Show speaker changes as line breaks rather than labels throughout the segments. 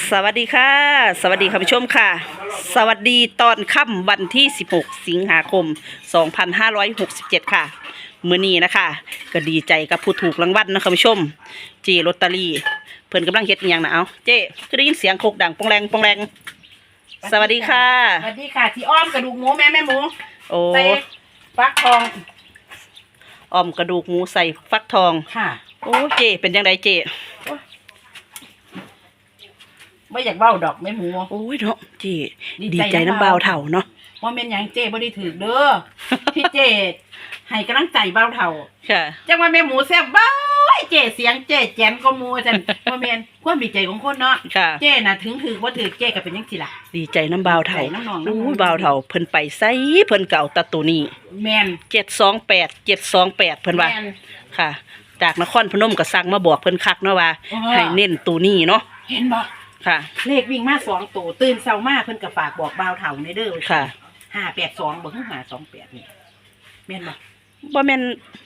สวัสดีค่ะสวัสดีคุณผู้ชมค่ะสวัสดีตอนค่ำวันที่16สิงหาคม2567ค่ะมื้อนี้นะคะก็ดีใจกับผู้ถูกรางวัลนะคุณผู้ชมเจลอตเตอรี่เพิ่นกำลังเฮ็ดอีหยังนะเอาเจ้ก็ได้ยินเสียงโคกดังปองแรงปองแรงสวัสดีค่ะ
สวัสดีค่ะที่อ้อมกระดูกหมูแม่หมู
โอ้
ใส่ฟักทอง
อ้อมกระดูกหมูใส่ฟักทอง
ค่ะ
โอ้เจเป็นจังไดเจ
ไม่อยากเบ้าดอกแม่หมู
โอ้ยเนาะเจดีใจน้ำเบาเถ่าเนาะ
ว่าเป็นอย่างเจ้บ่ได้ถือเด้อพี่เจให้กำลังใจเบาเถ่า
ค่ะ
จังว่าแม่หมูแซ่บบ้าเจเสียงเจแจนก็มูจันว่าแม่นความดีใจของคนเนาะเจน่ะถึงถือว่าถือเจก็เป็นจังซี่ล่ะ
ดีใจน้ำเบาเถ่า
โอ้
ยเบาเถ่าเพิ่นไปไสเพิ่นเก่าตะตัวนี้
แม่น
728เพิ่นว่าค่ะจากนครพนมก็สั่งมาบอกเพิ่นคักเนาะว่าให้เน้นตัวนี้เนาะ
เห็นบ่
ค่ะ
เลขวิ่งมา2ตัวตื่นเช้ามาเพิ่นก็ฝากบอกเบาเถ่าในเด้อ
ค่ะ
582บ่คือ528นี่แม่นบ่
บ่แม่น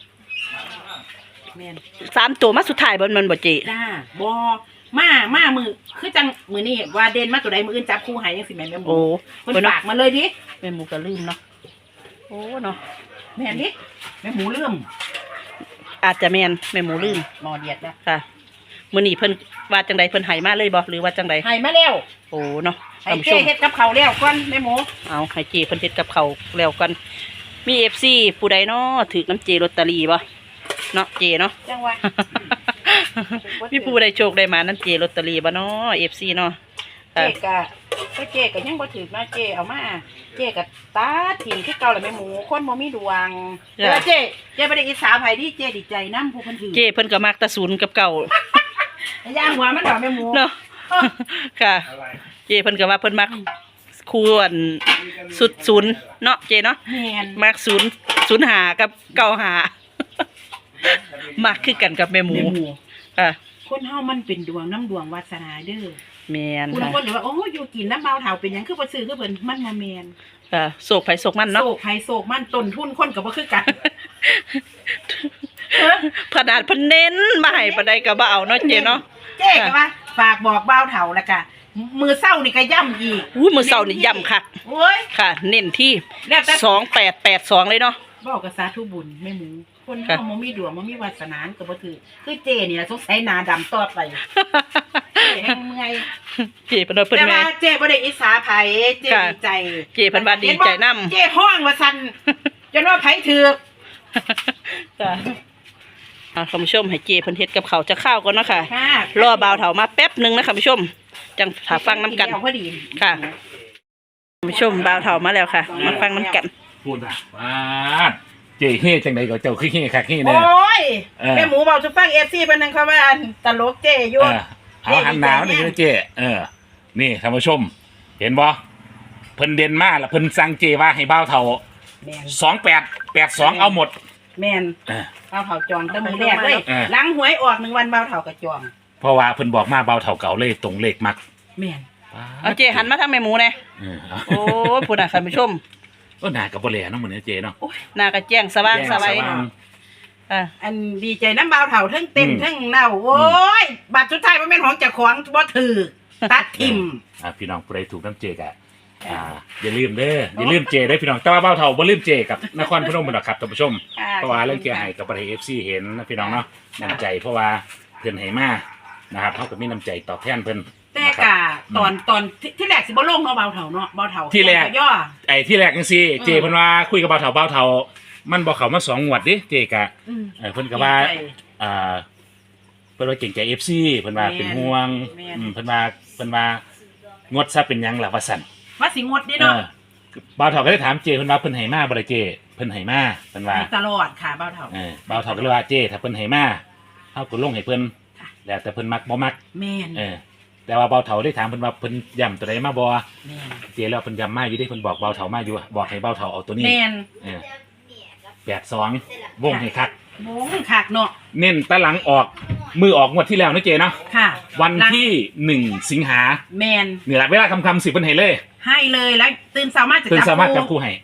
3ตัวมาสุดท้ายบ่มันบ่เจ
จ้าบ่มามือคือจังมือนี่ว่าเด่นมาตัวใดมืออื่นจับคู่ให้จังสิแม่นแม่หมู
โอ้
เพิ่นฝากมาเลยดิ
แม่หมูก็ลืมเนาะโอ้เนาะ
แม่นดิแม่หมูลืม
อาจจะแม่นแม่หมูลืม
หมอเดียดแล้ว
ค่ะมื้อนี้เพิ่นว่าจังไดเพิ่นให้มาเลยบ่หรือว่าจังได
ให้มาแล้ว
โอ้เนาะ
ให้เจ๊เฮ็ดกับข้าวแล้วก่อนแม่หมู
เอาให้เจเพิ่นเฮ็ดกับข้าวแล้วกันมี FC ผู้ใดเนาะถือน้ำเจลอตเตอรี่บ่เนาะเจเนาะ
จังว่า
มีผู้ใดโชคได้มาน้ำเจลอตเตอรี่บ่เนาะ FC เนาะ
เจ๊ก็ยังบ่ถือมาเจ๊เอามาเจ๊ก็ตาถิ่มคือเก่าแหละแม่หมูคนบ่มีดวงแต่ว่าเจ๊บ่ได้อิจฉาไผดิเจ๊ดีใจนำผู้เพิ่นถือ
เจเพิ่นก็มักตะศูนย์กับเก่า
ย่างหัวมันดอกแม่หมู
เนาะค่ะเจเพิ่นก็ว่าเพิ่นมักควรสุดศูนย์เนาะเจเนาะมัก005กับ95มักคือกันกับแม่หมูค่ะ
คนเฮามันเป็นดวงน้ำดวงวาสนาเด้อ
แม่น
ค่ะคุณคนหรือว่าโอ้อยู่กินน้ำเบาเฒ่าเป็นหยังคือบ่ซื้อคือเพิ่นมันบ่แม่น
ค่ะโศกไผโศกมันเนาะ
โศกไผโศกมันต้นทุนคนก็บ่คือกัน
ขนาดเพิ่นเน้นมาให้ปานใดก็บ่เอาเนาะเจเนาะ
เจ๊ก็ว่าฝากบอกเบาเฒ่าแล้วก็มื้อเช้านี่ก็ย้ำอีก
มื้อเช้านี่ย้ำคัก
โอ้ย
ค่ะเน้นที่2882เลยเนาะ
เว้ากับสาธุบุญแม่หมูคนเฮาบ่มีดวงบ่มีวาสนาก็บ่ถือคือเจ๊นี่ล่ะสงสัยหน้าดำต่อไปแฮงเมื่อย
เจ๊เพิ่นว่าเพิ่นแม่
แต่ว่าเจ๊บ่ได้อิจฉาไผเจ๊ดีใจ
เจ๊เพิ่นว่าดีใจนำ
เจ๊ฮ้องว่าซั่นจนว่าไผถูก
จ้ะคุณผู้ชมให้เจเพิ่นเฮ็ดกับข้าวจะข้าวก่อนเนาะค่ะรอบ่าวเฒ่ามาแป๊บนึงนะคุณผู้ชมจังถ้าฟังน้ำกันค่ะคุณผู้ชมบ่าวเฒ่ามาแล้วค่ะมาฟังน้ำกัน
พูดนะว่าเจ๊เฮ่จังไดก็เจ้าคือเฮ่คักเฮ่แน่
โอ้ยแม่หมูเว้าสิฟัง FC เพิ่นนึงเขาว่าตลกเจ๊อยู่
เอาหันหนาวนี่เจ๊นี่ท่านผู้ชมเห็นบ่เพิ่นเด่นมาแล้วเพิ่นสั่งเจ๊ว่าให้บ่าวเฒ่า2882เอาหมด
แม่นบ่าวเฒ่าจองแต่มื้อแรกเลยหลังหวยออก1วันบ่าวเฒ่าก็จอง
เพราะว่าเพิ่นบอกมาบ่าวเฒ่าเก่าเลยตรงเลขมัก
แม่น
เอาเจหันมาทางแม่หมูแน่โอ้พุ่นน่ะท่านผู้ชม
หน้าก็บ่แลเนาะมื้อนี้เจเนาะ
หน้าก็แจ้งสว่างสบาย
อันดีใจน้ำบ่าวเฒ่าทั้งเต้นทั้งเน่าโอ้ยบัตรสุดท้ายบ่แม่นของเจ้าของบ่ถือตัดทิ่ม
พี่น้องผู้ใดถูกน้ำเจกอย่าลืมเด้ออย่าลืมเจได้พี่น้องแต่ว่าบ่าวเฒ่าบ่ลืมเจกับนครพนมบ่ดอกครับท่านผู้ชมเพราะว่าเรื่องเกียร์ให้กับประเทศ FC เห็นนะพี่น้องเนาะน้ำใจเพราะว่าเพิ่นให้มานะครับเฮาก็มีน้ำใจตอบแทนเพิ่น
แต่กะตอนที่แรกสิบ่ลงเนาะบ่าวเฒ่าเนาะบ่าวเฒ่า
ที่แรกที่แรกจังซี่เจเพิ่นว่าคุยกับบ่าวเฒ่ามันบ่เข้ามา2งวดดิเจกะเพิ่นก็ว่าเพิ่นว่าเก่งใจ FC เพิ่นว่าเป็นห่วงเพิ่นว่างดซะเป็นหยังล่ะว่าซั่น
ว่าสิงดดิเนาะ
บ่าวเฒ่าก็ได้ถามเจเพิ่นว่าเพิ่นให้มาบ่ได้เจเพิ่นให้มาเพิ่นว่า
ตลอดค่ะบ่าวเฒ่า
บ่าวเฒ่าก็เลยว่าเจถ้าเพิ่นให้มาเฮาก็ลงให้เพิ่นแล้วแต่เพิ่นมักบ่มัก
แม่น
แต่ว่าบ่าวเฒ่าได้ถามเพิ่นว่าเพิ่นย้ำตัวใดมาบ่เจแล้วเพิ่นย้ำมาอยู่ดิเพิ่นบอกบ่าวเฒ่ามาอยู่บอกให้บ่าวเฒ่าเอาตัวนี้
แม่น
82วงให้คัก
วงคักเนาะ
เน้นตะหลังออกมือออกงวดที่แล้วนะเจเนาะ
ค่ะ
วันที่1สิงหา
แม่น
นี่แหละเวลาค่ำๆ10เพิ่นให้เลย
แล้วตื่นสามารถจะ
จับคู่ให้
ค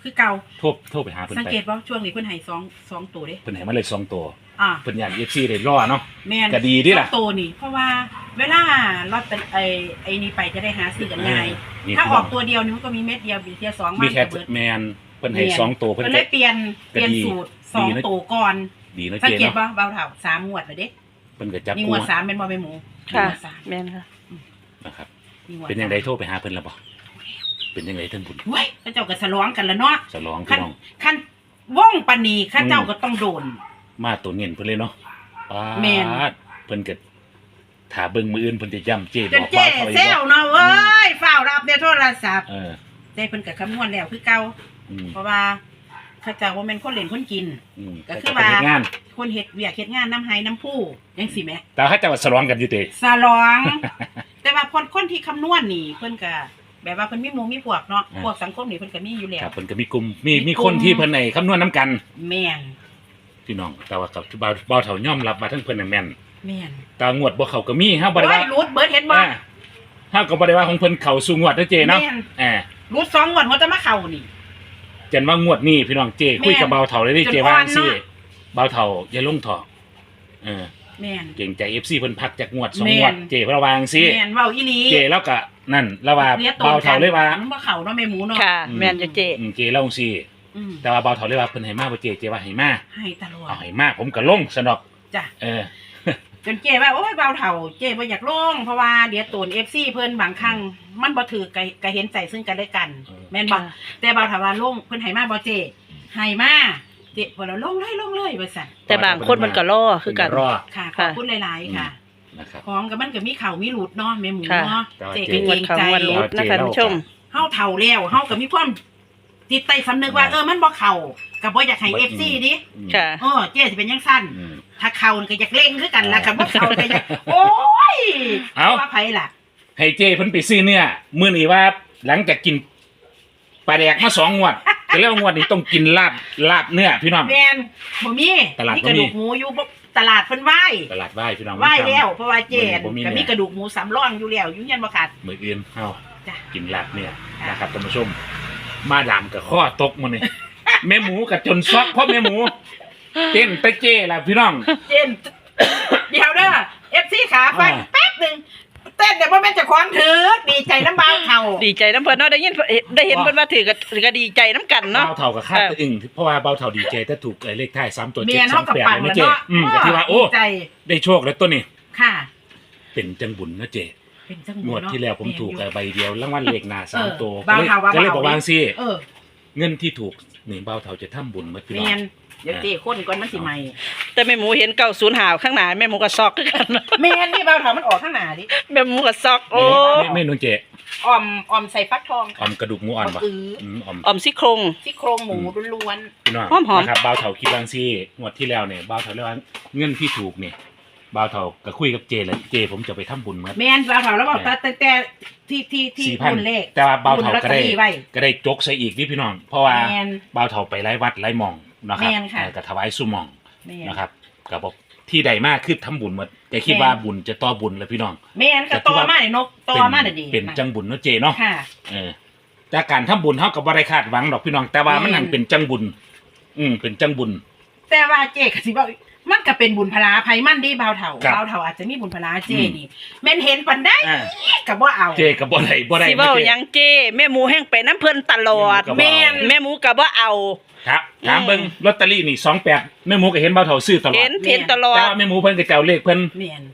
คือเก่า
โทรไปหาเพิ่น
สัง
ไป
เกตว่าช่วงนี้เพิ่นให้สองตัวเด้
เพิ่นให้มาเลย2ตัว
อ่า
เพิ่นย่าน FC ได้รอเนาะ
แม่น
ก็ดีเด้ล่ะ
สองตัวนี่เพราะว่าเวลาลอตเตอรี่ไอ้นี่ไปจะได้หาซื้อกันง่าย
นี่
ถ้า
พี่
อ
น้
อง กตัวเดียวนี่มันก็มีเม็ดเดียวบีเทียสอง
มี
น
แค่
จะเบิด
แมนเพิ่นให้2ตัวเพิ่น
ก็
ก็
เลยเปลี่ยน
ก็ดี
สูตร
ดีนะ
2ตัวก่อน
ดีเนาะ
สัง
เจ๊
เกต
เนาะ
ว่าเบาเท่า3งวดแล้วเด้
เพิ่นก็จับ
นี่ง
คู่
วด3เป็นบ่แม่หมู
ค่ะ
งวดสาม
แม่นค่ะ
นะครับ
นี่งวด
เป็นยังไงโทรไปหาเพิ่นแล้วบ่เป็นยังไงท่านบุญ
เว้ยเขาเจ้าก็สลองกันแล้วเนาะ
สลอง
คั
พี่
น
น้อง
คันว่องปานนีข้าเจ้าก็ต้องโดน
มาตัวเงินเพิ่นเลยเนาะป๊า
แม่น
ดเพิ่นก็ถ้าเบิ่งมื้ออื่นเพิ่นจะย้ำเจ๊
จ
บ
น
อก
เจ๊
ว่าเขา
เซลเนาะเว้ยฝ้าวรับในโทรศัพท์
เออ
เจ๊เพิ่นก็คำนวณแล้วคือเก่า
อืม
เพราะว่าเขาเจ้าว่าแม่นคนเล่นคนกิน
อืม
ก็คือ
แต่
ว่า
เฮ็ดงาน
คนเฮ็ดเวียกเฮ็ดงานน้ำไห้น้ำผู้จังซี่แหม
แต่เขาจะว่าสลองกันอยู่เต
สลอง แต่ว่าคนที่คำนวณนี่เพิ่นก็แบบว่าเพิ่นมีหมู่มีพวกเนาะพวกสังคมนี่เพิ่นก็มีอยู่แล้
ครั
ว
บเพิ่นก็มีกลุ่มมีคนที่เพิ่นให้คำนวณนํกัน
แม่น
พี่น้องแต่ว่ากับเบาเฒ่ายอมรับว่าทั้งเพิ่นน่ะแม่น
แม่น
แต่งวดบ่เข้าก็มีเฮาบ่ได้
โอ้
ว่า
ยรูดเบิดเห็นบ่
เฮาก็บ่ได้ว่าของเพิ่นเข้าสู่งวดเด้อเจเนาะ
แม่น
อ่า
รูด2งวดหัวจะมาเข้านี่
จนว่างวดนี้พี่น้องเจคุยกับเบาเฒ่าเลยเด้
จน
เจว่า
อ่อน
สิ
เนาะ
เบาเฒ่าอย่าลงเถาะเออ
แม่น
เก่งใจ FC เพิ่นพักจากงวด2
แม่น
งวดเจเพิ่นระวังสิ
แม่นเว้าอีหลี
เจแล้วก็นั่นแล้วว่า
รียกตัว
เบาเฒ่าเลยว่า
มันบ่เข้าเนาะแม่หมูเนาะ
ค่ะ แม่นอยู่เจ๊
เจเล่าจังซี่
อืม
แต่ว่าเบาเฒ่าเลยว่าเพิ่นให้มาบ่เจว่าให้มา
ให้ตลอด
เอาให้มาผมก็ลงซะดอก
จ้ะ
เออ
จนเจ้ว่าโอ้ยเบาเฒ่าเจ้บ่อยากลงเพราะว่าเดี๋ยวตูน FC เพิ่นบางครั้งมันบ่ถือก็เห็นใจซึ่งกันและกัน แม่นบ่แต่เบาเฒ่าว่าลงเพิ่นให้มาบ่เจ้ให้มาเจ้บ่แล้วลงเลยว่าซั่น
แต่บางคนมันก็ล่อคือกัน
รอ
ค่ะขอบคุณหลายๆค่ะ
นะครับ
ของก็มันก็มีเข้ามีหลุดเนาะแม่หมู
ค่ะ
เนาะ
แต่ว่า
เจ้
เจ๊
ก็
ง
เก
ว
ร
ด
ง
เขา
ใจ
งวดรุดนะคะท่านผู้ชม
เฮาเฒ่าแล้วเฮาก็มีความจิตใต้สำนึกว่ามันบ่เข้าก็บ่อยากให้ FC ดิ
ค่ะ
เจ้สิเป็นจังซั่น
อืม
ถ้าเข้านี่ก็อยากเล่งคือกันล่ะคันบ่เข้าก็อยากโอ้ย
เอ้า
ว่าไผล่ะ
ให้เจ้เพิ่นไปซื้อเนื้อมื้อนี้ว่าหลังจากกินปลาแดกมา2งวดก็แล้วางวดนี้ต้องกินลาบเนื้อพี่น้อง
แม่นบ่มี
ตลาด
มี
บ่
กระ
มี
ดูกหมูอยู่บ่ตลาดเพิ่นไหว้
ตลาดไหว้พี่น้อง
ไหว้แล้วเพราะว่าเจน
บ่มี
ก็
เนื้
มี
อก
ระดูกหมูสำรองอยู่แล้วอยู่เฮียนบ่ขาด
มื้ออื่นเฮา
จ้ะ
กินลาบเนื้อ
ค่ะ
นะครับท่านผู้ชม มาดามกับข้อตกมื้อนี้ แม่หมูกับจนซอกเพราะแม่หมูเต้นไปเจ้ล่ะพี่น้อง
เจน เดี๋ยวเด้อ FC ขาฟัง
อ่า
แป๊บหนึงเต้นเดี๋ยวบ่แม่นเจะควงถือดีใจน้ำบาวเขา
ดีใจน้ำเพิ่นเนาะได้ยินได้เห็นเพิ่นว่าถือก็ดีใจน้ำกันเนาะ
เบาเท่ากับคาดตะอึ่งเพราะว่าเบาเท่าดีใจถ้าถูกเลขท้าย3ตัว
เมียนเฮากับ
728
ปัง
เลย
แล้ว
นะเจ้
เนาะ
ก็ที่ว่าโอ้
ดีใจ
ได้โชคแล้วตัวนี้
ค่ะ
เป็นจังบุญนะเจ้
เป็นจัง
งวดที่แล้วผมถูกใบเดียวรางวัลเลขหน้า3ตัว
เบาเท่าว่า
ก็เลย
เบา
บอกว่าสิ
เออ
เงินที่ถูกนี่เบาเท่าจะทำบุญมาพี่น้อ
เมีย
ง
นเดี๋ยวเจ้คนก่อนมันสิใหม่
แต่แม่หมูเห็น90หาวข้างหน้าแม่หมูก็ซอกคือกัน
เมียนนี่เบาเท่ามันออกข้างหน้าดิ
แม่หมูก็ซอกโอ้
ไม่นุ่นเจ
ออมใส่ฟักทอง
ออมกระดูกหมูอ่อนปะ
อื้อ
ออม
ออมซี่โครง
ซี่โครงหมูล้วน
พี่น้อง
หอมๆ
นะครับเบาเท่าคิดบางซี่งวดที่แล้วเนี่ยเบาเท่าเรียกว่าเงินที่ถูกเนี่ยเบาเท่าก็คุยกับเจเลยเจผมจะไปทำบุญมา
ๆแม่นเบาเท่าแล้วบอกแต่ที่
4,000
บุญเลข
แต่ว่าเบาเท่า
บุญลอต
ก็
เตอ
ได้
รี่ไว้
ก็ได้จกใส่อีกนี่พี่น้อง เพราะว่า
แม่น
เบาเท่าไปไล่วัดไล่หมองนะครับ
แม่นค่ะ
ก็ถวายสุหมอง
แม่น
นะครับก็บอกที่ใดมากคือทำบุญหมดแต่คิดว่าบุญจะต่อบุญแล้วพี่น้อง
แม่นก็ตอมาเนี่ยนกตอมาเนี่ยดี
เป็นจังบุญเนาะเจเนาะ
ค่ะ
เออแต่การทำบุญเฮาก็บ่ได้คาดหวังดอกพี่น้อง แต่ว่ามัน
แม่น
นั่นเป็นจังบุญ เป็นจังบุญ
แต่ว่าเจ๊ก็สิบอกมันก็เป็นบุญพลาภัยมันดีเบาเท่า
ครับ
เบาเท่าอาจจะมีบุญพลาเจ๊นี่แม่นเห็นปันได้
อ่า
ก็บ่เอา
เจก็บ่ได้บ่ได้
สิเว้า
ไม่
หยังเจ้แม่หมูแห้งไปน้ำเพิ่นตลอด
แม่น
แม่หมูก็บ่เอา
ครับถามเบิ่งลอตเตอรี่นี่28แม่หมูก็เห็นเบาเท่าซื้อตลอ
เห็
ด
นเห็นตลอ
แต่
ด
ว่าแม่หมูเพิ่นก็จะเอาเลขเพิ่น
แม่น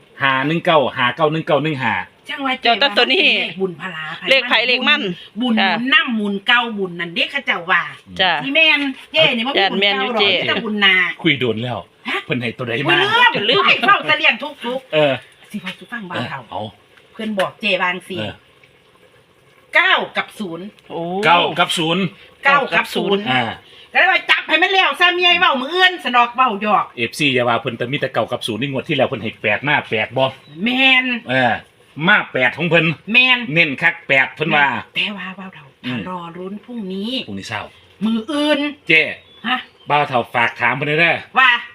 519
จังว่า
เจ้าตัวนี้
บุญพลาภัย
เลขไผเลขมัน
บุญ
ค่ะ
น้ำบุญเก่าบุญนั่นเด็กเขาเจ้าว่า
จ้ะ
ที่แม่นเจ๊นี่มันบุญ
แม่น
เก่า
อยู่
หรอก
เจ๊
แต่บุญนา
คุยโดนแล้วเพิ่นให้ตัวใด
ไม่
มา
ลืมไม่เข้าตะเลียงทุก
เออ
ๆสิพอสุฟังบ้า
เอน อ
เขา
เอา
เพื่อนบอกเจบางสี
เออ
9 กับ 0
โอ้
9กับ0
9 กับ 0
อ่า
ก็เลยว่าจับให้มันแล้วซะเมียเว้ามือเอื้อนสนอกเว้าหยอก
FC อย่าว่าเพิ่นแต่มีแต่9กับ0นี่งวดที่แล้วเพิ่นให้8มา8บ่
แมน
มา8ของเพิ่น
แมน
เน้นคัก8เพิ่นว่า
แต่ว่าเว้าเท่า
อืม
รอรุ้นพรุ่งนี้
พรุ่งนี้เช้า
มืออื่น
เจ้
ฮะ
บ่าวเฒ่าฝากถามเพิ่นเด้อ
ว่า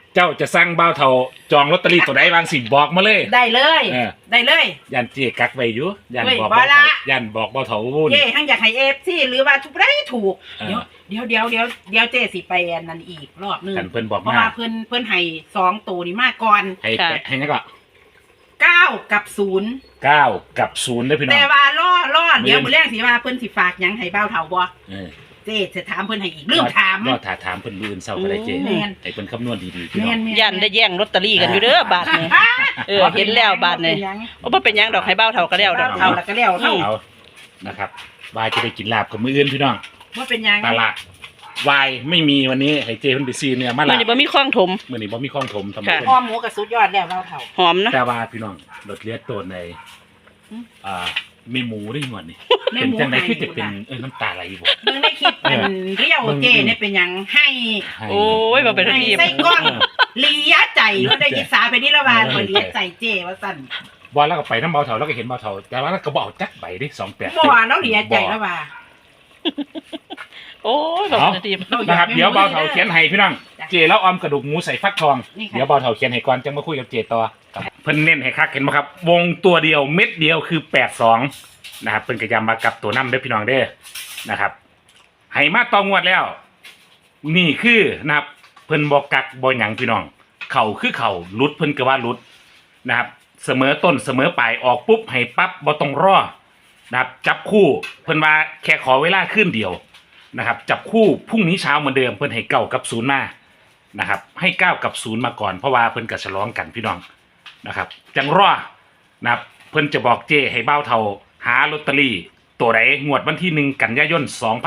เจ้าจะสั่งเบ้าเท่าจองลอตเตอรี่ตัวใดบางสิบอกมาเลย
ได้เลย
เออ
ได้เลย
ยันเจกักไว้อยู่ยัน
เว้ย
บอก
บ่
เบ้า
ละ
เท่ายันบอกเบ้าเท่าวุ่น
เจ้ทั้งอยากให้FC หรือว่าทุกได้ถูก
เออ
เดี๋ยวเจ้สิไปอันนั้นอีกรอบนึง
กันเพิ่นบอก
เพราะ
มา
ว่าเพิ่นให้2ตัวนี้มาก่อน
ให้แปะให้นั่นก็
9 กับ 0
9 กับ 0ได้อพี่น้อง
แต่ว่าล่อเดี๋ยว
มื้อ
มื้อแรกสิว่าเพิ่นสิฝากหยังให้เบ้าเฒ่าบ่
เออ
เจ้จะถามเพิ่นให้อีกลืมถาม
ยอดถามเพิ่นมื้ออื่นเช้าก็ได้เจ
แม่น
ให้เพิ่นคำนวณดีๆพี่น้
แม่
อง
นๆ
ยันได้แย่งลอตเตอรี่กันอยู่เด้อบาทนี่เห็นแล้วบาทนี่โอ้บ่เป็นหยังดอกให้เบ้าเท่าก็แล้วดอก
เอาแล้วก็แล้วเท่า
เอานะครับวายจะได้กินลาบกับมื้ออื่นพี่น้อง
ว่าเป็นหยัง
ตลาดวายไม่มีวันนี้ให้เจเพิ่นไปซื้อเนี่ยมา
มื้
ลา
อนี้บ่มีคล้องถม
มื้อนี้บ่มีของถมทำ
ค่ะ
เพิ่น
อ้อมหมูกับสุดยอดแล้วเราเฒ่า
หอมนะ
แต่ว่าพี่น้องรถเลียดตัวใน
อืม
มีหมูได้หมดนี่
แม่
เป็น
หมู
จังได
ให้
คือจะเป็น
อยู่
น้ำตาไหลบ่
เบิ่งในคลิปเป็นเรียวเจเนี่ยเป็นหยังให้
ให้
โอ้ยบ่เป็น
ให้
ทีม
ใส่กล้องเลียใจว่าได้ยิสาไปนี่ละวานบ่เลียใจเจว่าสั่น
บ่แล้วก็ไปน้ำเบาเถาแล้วก็เห็นเบาเถาแต่ว่าแล้วก็บ่เอาจักใบเด้28
บ่แล้วเลียใจละว่า
โอ้ยบ่เป็นทีม
นะครับเดี๋ยวเบาเถาเขียนให้พี่น้อง
จ้ะ
เจแล้วออมกระดูกหมูใส่ฟักทอง
นี่ค่ะ
เดี๋ยวเบาเถาเขียนให้ก่อนจังมาคุยกับเจต่อครับเพิ่นเน้นให้คักเห็นบ่ครับ วงตัวเดียวเม็ดเดียวคือ82นะครับเพิ่นก็ย้ำมากับตัวนำเด้อพี่น้องเด้อนะครับให้มาต่องวดแล้ว นี่คือนะครับเพิ่นบ่กักบ่หยังพี่น้องเข่าคือเข่าหลุดเพิ่นก็ว่าหลุดนะครับเสมอต้นเสมอปลายออกปุ๊บให้ปั๊บบ่ต้องรอนะครับจับคู่เพิ่นว่าแค่ขอเวลาคืนเดียวนะครับจับคู่พรุ่งนี้เช้าเหมือนเดิมเพิ่นให้9กับ0มานะครับให้9กับ0มาก่อนเพราะว่าเพิ่นก็ฉลองกันพี่น้องนะครับจังรอนะครับเพิ่นจะบอกเจ้ให้เบ้าเท่าหาลอตเตอรี่ตัวใดงวดวันที่1กันยายน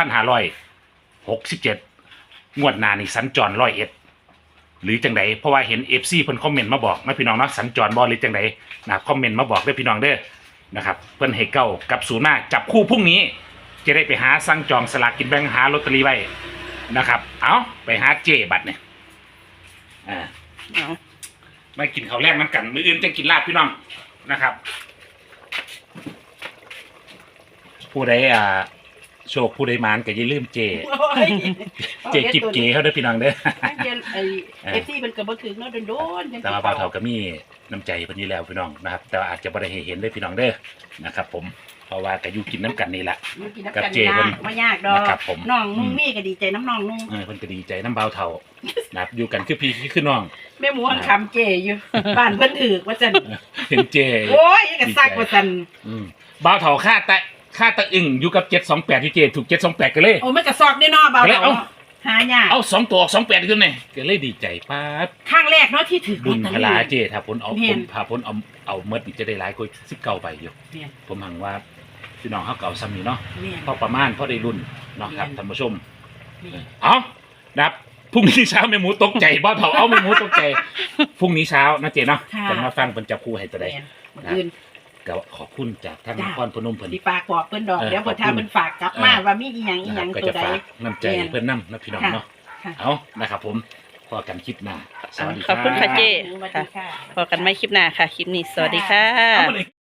2567งวดหน้านี่สัญจร101หรือจังไดเพราะว่าเห็น FC เพิ่นคอมเมนต์มาบอกนะพี่น้องเนาะสัญจรบ่หรือจังไดนะครับคอมเมนต์มาบอกเด้อพี่น้องเด้อนะครับเพิ่นให้9กับ0มาจับคู่พรุ่งนี้จะได้ไปหาสั่งจองสลากกินแบ่งหาลอตเตอรี่ไว้นะครับเอาไปหาเจบัตรเนี่ย
เอา
มากินข้าวแรกน้ำกันมื้ออื่นจะกินลาบพี่น้องนะครับ ผู้ใดโชคผู้ใดมานก็อย่าลืมเจกิบเจเขาเด้อพี่น้องเด้อ
ไอ้ FC เพิ่นก็บ่ถึงเนาะโดนๆ
แต่ว่าบ่าวเฒ่าก็มีน้ำใจเพิ่นอยู่แล้วพี่น้องนะครับ แต่ว่าอาจจะบ่ได้ให้เห็นเด้อพี่น้องเด้อนะครับ ผมเพราะว่าก็อยู่กินน้ำกันนี่แหละ
มันกินน้ำ
กับ
กัน
เจเพิ่น
ไม่ยากดอก
นะครับผม
น้องนุ่งมีก็ดีใจน้ำน้องนุ่ง
เพิ่นก็ดีใจน้ำบ่าวเฒ่านะครับอยู่กันคือพี่คือน้อง
แม่หมูหันคำเจอยู่ บ้านเพิ่นถือว่าจัน
เห็นเจ
โอ้ยยังกะซักว่าจัน
บ่าวเฒ่าค่าตะอึ่งอยู่กับ728ที่เจถูก728กันเลย
โอ้ยมันกะซอกได้เนอเบา
แล้ว
เนาะหายาก
เอา2ตัว28ขึ้นเลยก็เลยดีใจป๊าด
ข้างแรกเนาะที่ถือ
บุญ
ลอต
พ
เตอ
ลา
รี่
เจถ้าผลเอา
เห็
ผ
น
ลพาผลเอาเมดนี่จะได้หลายกว่า19ใบอยู่
เนี่ย
ผมหังว่าพี่น้องเขาเก่าซ้ำนี่เนาะ
เนี่ย
พอประมาณพอได้รุ่นเนาะครับ
เรียน
ท่านผู้ชม
เนี่ย
เอานะครับพรุ่งนี้เช้าแม่หมูตกใจบ่าวเฒ่าเอาแม่หมูตกใจพรุ่งนี้เช้านะเจเนาะ
ค่ะ
จะมาฟังเพิ่นจับคู่ให้ตัวใด
เนี่ยมื้ออื่น
ก็ขอบคุณจากท่าน
จ้ะ
นครพนมเพิ่น
สิฝากบอกเพิ่นดอก
เออ
เดี๋ยวเพิ่น
ขอบคุณ
ถ้าเพิ่นฝากกลับมาว่ามีอีหยังอีหยัง
ก็
ตัว
จะ
ใด
ฝากน้ำใจ
เรียน
เพิ่นนำนะพี่น้องเนาะ
ค่ะ
เอานะครับผมพอกันคลิปหน้าสวัสดี
ขอบคุณค่ะเจ
สวัสดีค่ะ
พอกันไม่คลิปหน้าค่ะ คลิปนี้สวัสดีค่ะ
เอามาเลย